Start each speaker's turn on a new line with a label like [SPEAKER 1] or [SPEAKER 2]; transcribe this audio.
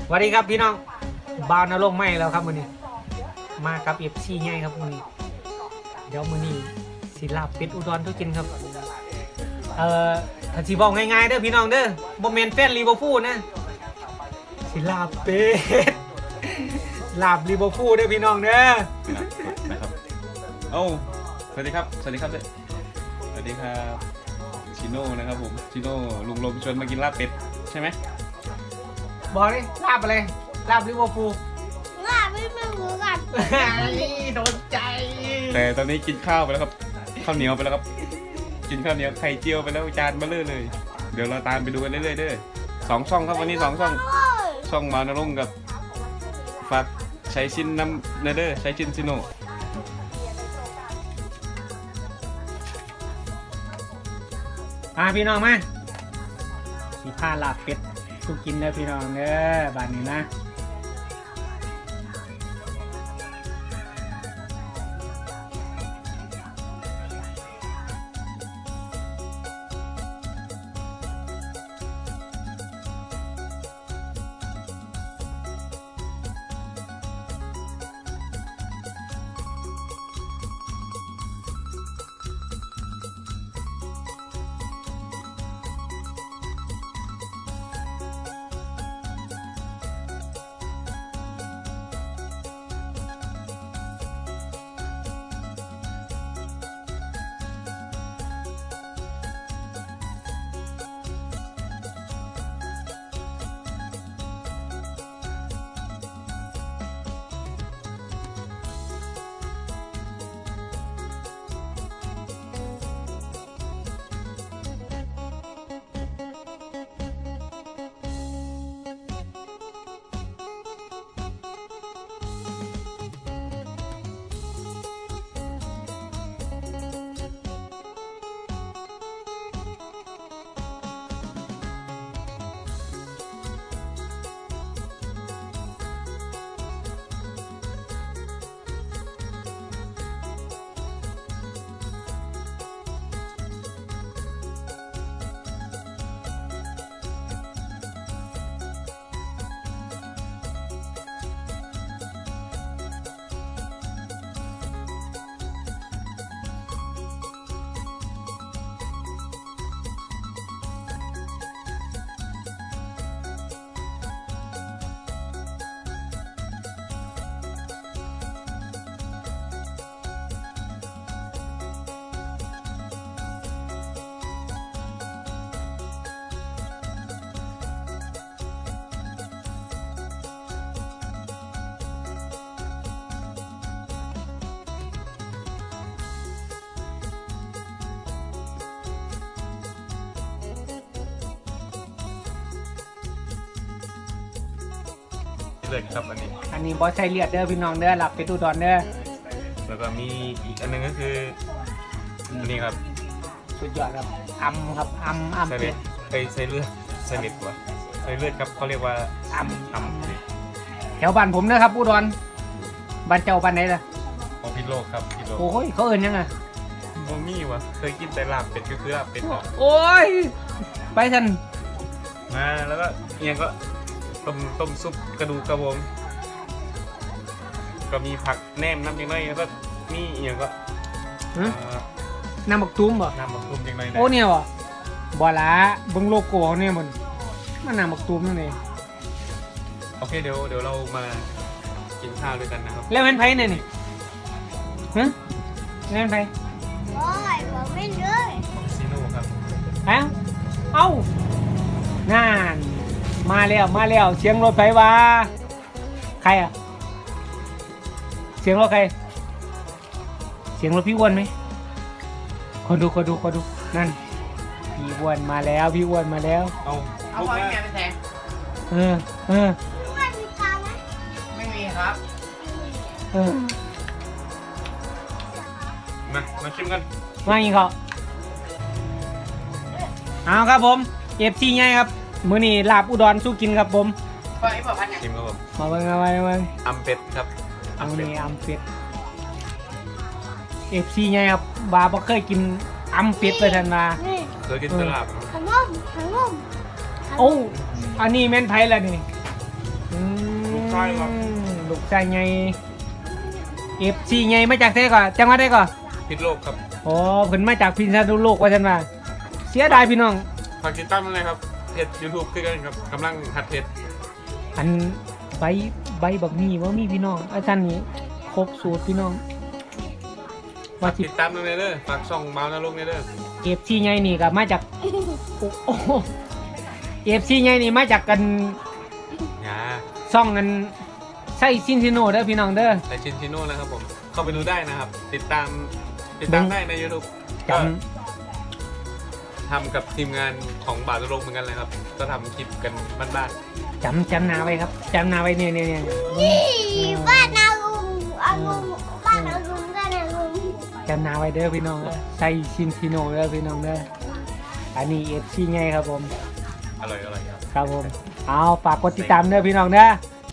[SPEAKER 1] สวัสดีครับพี่น้องบาวนรกไม่แล้วครับมือนี้มากับเอฟซีง่ายครับมือนี้เดี๋ยวมือนี้สิลาบเป็ดอุดรทุกกินครับถ้าสิบอกง่ายๆเด้อพี่น้องเด้อบ่แม่นแฟนลิเวอร์พูลนะสิลาบเป็ดลาบลิเวอร์พูลเด้อพี่น้องเด้อ
[SPEAKER 2] นะครับโอ้สวัสดีครับสวัสดีครับสวัสดีครับชิโน่นะครับผมชิโน่ลุงลมชวนมากินลาบเป็ดใช่ไหม
[SPEAKER 1] บอกเลยลาบอะไรลาบลิเวอร์พูล
[SPEAKER 3] ลาบไม่เหมือนกัน
[SPEAKER 1] โดนใจ
[SPEAKER 2] แต่ตอนนี้กินข้าวไปแล้วครับข้าวเหนียวไปแล้วครับกินข้าวเหนียวไข่เจียวไปแล้วจานเบลอเลยเดี๋ยวเราตามไปดูกันเรื่อยๆเด้อ2 ช่องครับวันนี้2 ช่องมาวนรงค์กับฝากใช้ชินน้ำเนเดอร์ใช้ชินซิโน่
[SPEAKER 1] พี่น้องมาสีผ้าลาบเป็ดสุกินเด้อพี่น้องเด้อบ้านนี้นะ
[SPEAKER 2] เลือดครับ
[SPEAKER 1] อันนี้บอสใช้เลือดเด้อพี่น้องเด้อหลับไปดูดอนเด้อ
[SPEAKER 2] แล้วก็มีอีกอันนึงก็คืออันนี้ครับ
[SPEAKER 1] สุดยอดครับครับ
[SPEAKER 2] ใส่เลือดใส่เลือดใส่เลือดวะใส่เลือดครับเขาเรียกว่า
[SPEAKER 1] แถวบ้านผมนะครับอุดรบ้านเจ้าบ้านไหนล่ะ
[SPEAKER 2] พิโลกครับพิโลก
[SPEAKER 1] โอ้ยเขาเอิ้นยังไง
[SPEAKER 2] โมมี่วะเคยกินแต่ลาบเป็ดก็คือลาบเป็ด
[SPEAKER 1] โอ้ยไปทัน
[SPEAKER 2] มาแล้วก็เอียงก็ต้มซุปกระดูกกระวงก็มีผักแหนมน้ำยังไงแล้วก็มีเอียงก็
[SPEAKER 1] น้ำบักตุ้มบ่
[SPEAKER 2] น้ำบักตุ้มยังไง
[SPEAKER 1] โอ้เนี่ยบ่บ่ละเบิ่งโลโก้เนี่ยมันน้ำบักตุ้มนั่นเอง
[SPEAKER 2] โอเคเดี๋ยวเรามากินข้าวด้วยกันนะครับ
[SPEAKER 1] แล้วเป็นไผเนี่ยนี่ฮะแล้วเป็นไผ
[SPEAKER 3] โอ้ยบอกไม่เลย
[SPEAKER 2] ซีโน่ครับ
[SPEAKER 1] เอ้างานมาแล้วเสียงรถไฟว่าใครอะเสียงรถใครเสียงรถพี่อ้วนไหมคนดูนั่นพี่อ้วนมาแล้ว
[SPEAKER 2] เอาไปแกไปแทง
[SPEAKER 3] ว่ามีตาไหม
[SPEAKER 1] ไม่มีครับ
[SPEAKER 2] มาชิมกัน
[SPEAKER 1] มาอีกเขาเอาครับผมเอฟซีไงครับมื้อนี้ลาบอุดรสู้กินครับผม
[SPEAKER 2] ไปบ่พันยังชิมครับผม
[SPEAKER 1] มาเบิ่ง
[SPEAKER 2] อัมเป็ดครับ
[SPEAKER 1] อัมเป็ดFC ไงครับบาบ่เคยกินอัมเป็ดเลยทันมา
[SPEAKER 2] เคยกินตลาด
[SPEAKER 3] ขนม
[SPEAKER 1] โอ้อันนี้แม่นไผล่ะนี่
[SPEAKER 2] ลูกชายครับ
[SPEAKER 1] ลูกชายไง FC ไงมาจากเท่ก่อนจังหวัดได้ก่อน
[SPEAKER 2] พิษโลกครับ
[SPEAKER 1] อ๋อเพิ่นมาจากพิษณุโลกว่าซั่นว่าเสียดายพี่น้อง
[SPEAKER 2] ฝากติดตามด้วยนะครับเพจ YouTube คือกันครับกำลังหัดเพจ
[SPEAKER 1] อันใบบักมี่ว่ามีพี่น้องอาจารย์นี้ครบสูตรพี่น้อง
[SPEAKER 2] ฝา
[SPEAKER 1] ว่าก สิ
[SPEAKER 2] ติดตามด้วยเด้อฝากช่องเมาส์นรกเด้อ
[SPEAKER 1] FC ไงนี่ก็มาจากโอ้โห FC ไงนี่มาจากกัน
[SPEAKER 2] อย่า
[SPEAKER 1] ซ่องกันไส้ซินซิโนเด้อพี่น้องเด้อ
[SPEAKER 2] แต่ชินชิโน่นะครับผมเข้าไปดูได้นะครับ ติดตามได้ใน YouTube
[SPEAKER 1] จ
[SPEAKER 2] ก็ทำกับทีมงานของบาทนรกเหมือนกันเลยครับ ก็ทำคลิปกันบ้าน
[SPEAKER 1] จำนาไว้ครับจำนาไว้เนี่ย
[SPEAKER 3] นี่บ้านอาลุงอาลุงบ้านอาลุงบ้านอาลุง
[SPEAKER 1] จำนาไว้เด้อพี่น้องไส้ซินซิโนเด้อพี่น้องเด้ออันนี้ FC ไงครับผม
[SPEAKER 2] ๆอร่อยครับ
[SPEAKER 1] ครับผมเอาฝากกดติดตามเด้อพี่น้องเด้อ